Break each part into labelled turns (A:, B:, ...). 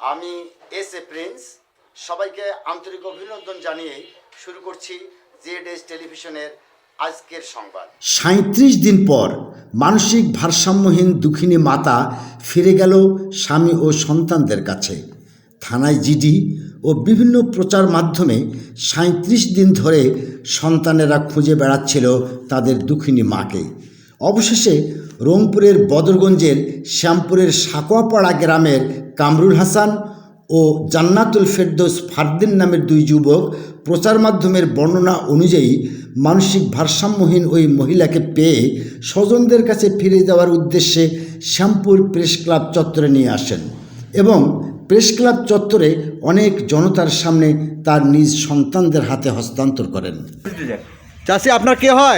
A: আমি S A Prince, সবাইকে আন্তরিক অভিনন্দন জানিয়ে শুরু করছি জেড টেলিভিশনের আজকের সংবাদ। 37 দিন পর মানসিক ভারসাম্যহীন দুঃখিনী মাতা ফিরে গেল স্বামী ও সন্তানদের কাছে। থানায় জিডি ও বিভিন্ন প্রচার মাধ্যমে 37 দিন ধরে সন্তানেরা খুঁজে বেড়াচ্ছিল তাদের দুঃখিনী মাকে। অবশেষে রংপুরের বদরগঞ্জের শ্যামপুরের সাকোয়াপাড়া গ্রামের কামরুল হাসান ও জান্নাতুল ফেরদৌস ফারদিন নামের দুই যুবক প্রচার মাধ্যমের বর্ণনা অনুযায়ী মানসিক ভারসাম্যহীন ওই মহিলাকে পেয়ে স্বজনদের কাছে ফিরে যাওয়ার উদ্দেশ্যে শ্যামপুর প্রেস ক্লাব চত্বরে নিয়ে আসেন এবং প্রেস ক্লাব চত্বরে অনেক জনতার সামনে তার নিজ সন্তানদের হাতে হস্তান্তর করেন।
B: চাচি, আপনার কে হয়?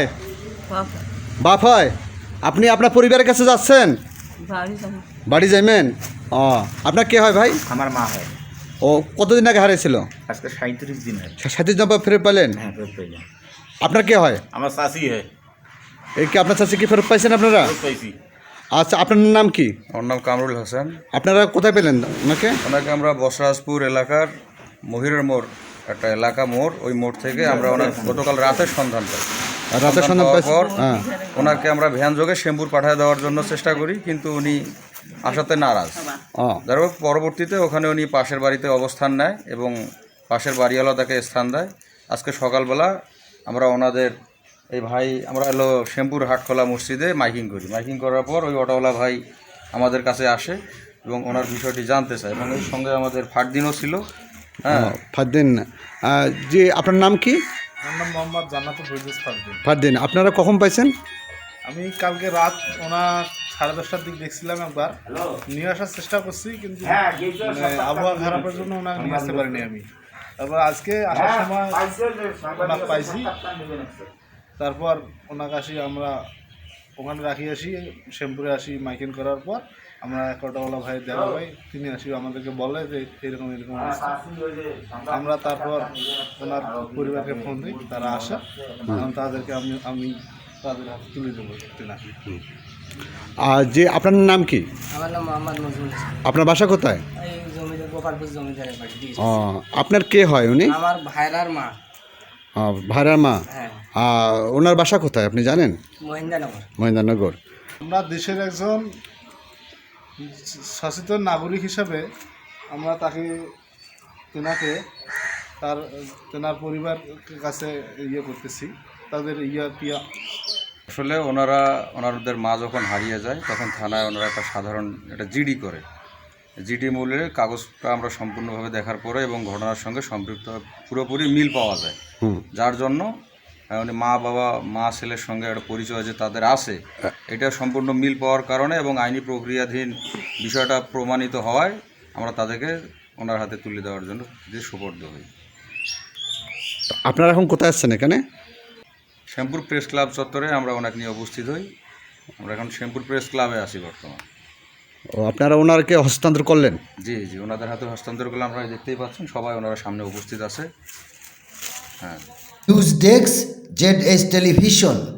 B: বাপ হয়। আপনি আপনার পরিবারের কাছে যাচ্ছেন? বাড়ি যাইবেন? ও, আপনার কে হয় ভাই?
C: আমার মা হয়।
B: ও কতদিন আগে হারিয়েছিল?
C: আজকে 37 দিন হয়।
B: 37 দিন পর ফেরত পেলেন?
C: হ্যাঁ, ফেরত পাইলাম।
B: আপনার কে হয়?
C: আমার চাচি হয়।
B: এই কি আপনার চাচি কি ফেরত পাইছেন আপনারা?
C: ফেরত পাইছি।
B: আচ্ছা, আপনার নাম কি?
D: আমার নাম কামরুল হাসান।
B: আপনারা কোথায় পেলেন ওনাকে?
D: ওনাকে আমরা বসরাজপুর এলাকার মহিরের মোড়, একটা এলাকা মোড়, ওই মোড় থেকে আমরা ওনার গতকাল রাতের সন্ধান পাই।
B: রাতের সন্ধান
D: পাওয়ার
B: পাইছেন?
D: পর
B: হ্যাঁ।
D: ওনাকে আমরা ভ্যান যোগে শ্যামপুর পাঠিয়ে দেওয়ার জন্য চেষ্টা করি, কিন্তু উনি আসাতে নারাজ।
B: ও,
D: যার হোক, পরবর্তীতে ওখানে উনি পাশের বাড়িতে অবস্থান নেয় এবং পাশের বাড়িওয়ালা তাকে স্থান দেয়। আজকে সকালবেলা আমরা ওনাদের এই ভাই, আমরা হলো শ্যামপুর হাটখোলা মসজিদে মাইকিং করি। মাইকিং করার পর ওই অটোওয়ালা ভাই আমাদের কাছে আসে এবং ওনার বিষয়টি জানতে চায় এবং এর সঙ্গে আমাদের ফারদিনও ছিল। হ্যাঁ,
B: ফারদিন। যে আপনার নাম কি?
E: আমার নাম মোহাম্মদ জান্নাতুল ফেরদৌস ফারদিন।
B: ফারদিন, আপনারা কখন পাইছেন?
E: আমি কালকে রাত ওনার 10:30টার দিক দেখছিলাম, একবার নিয়ে আসার চেষ্টা করছি, কিন্তু মানে আবহাওয়া খারাপের জন্য ওনাকে নিয়ে আসতে পারিনি আমি। তারপর আজকে আসার সময় ওনাকে পাইছি। তারপর ওনাকে আসি, আমরা ওখানে রাখি আসি, শ্যামপুরে আসি। মাইকিং করার পর আমরা এক অটোওয়ালা ভাই দেখা পাই, তিনি আসি আমাদেরকে বলে যে এরকম এরকম অবস্থা। আমরা তারপর ওনার পরিবারকে ফোন দিই, তারা আসে, তখন তাদেরকে আমি তাদের হাতে তুলে দেবো তেনাকে।
B: আর যে আপনার নাম কি?
F: আমার নাম মোহাম্মদ নজরুল ইসলাম।
B: আপনার বাসা কোথায়?
F: এই জমিদার গোপালপুর জমিদারের বাড়ি দিয়েছি।
B: ও, আপনার কে হয় উনি?
F: আমার ভাইরার মা।
B: ভাইরার মা।
F: হ্যাঁ,
B: ওনার বাসা কোথায় আপনি জানেন?
F: মহিন্দানগর।
B: মহেন্দ্রনগর।
E: আমরা দেশের একজন সচেতন নাগরিক হিসাবে আমরা তেনাকে তেনার পরিবার কাছে ইয়ে করতেছি, তাদের
D: আসলে ওনাদের মা যখন হারিয়ে যায় তখন থানায় ওনারা একটা সাধারণ একটা জিডি করে। জিডি মূল্যের কাগজটা আমরা সম্পূর্ণভাবে দেখার পরে এবং ঘটনার সঙ্গে সম্পৃক্ত পুরোপুরি মিল পাওয়া যায়, যার জন্য উনি মা ছেলের সঙ্গে একটা পরিচয় যে তাদের আছে, এটা সম্পূর্ণ মিল পাওয়ার কারণে এবং আইনি প্রক্রিয়াধীন বিষয়টা প্রমাণিত হওয়ায় আমরা তাদেরকে ওনার হাতে তুলে দেওয়ার জন্য যে সুপর্দ হই।
B: আপনারা এখন কোথায় আসছেন? এখানে
D: শ্যামপুর প্রেস ক্লাব চত্বরে আমরা ওনাকে নিয়ে উপস্থিত হই। আমরা এখন শ্যামপুর প্রেস ক্লাবে আছি বর্তমান।
B: ও, আপনারা ওনারকে হস্তান্তর করলেন?
D: জি, ওনাদের হাতে হস্তান্তর করলে আপনারা দেখতেই পাচ্ছেন সবাই ওনারা সামনে উপস্থিত আছে। হ্যাঁ।
A: News desk Z television.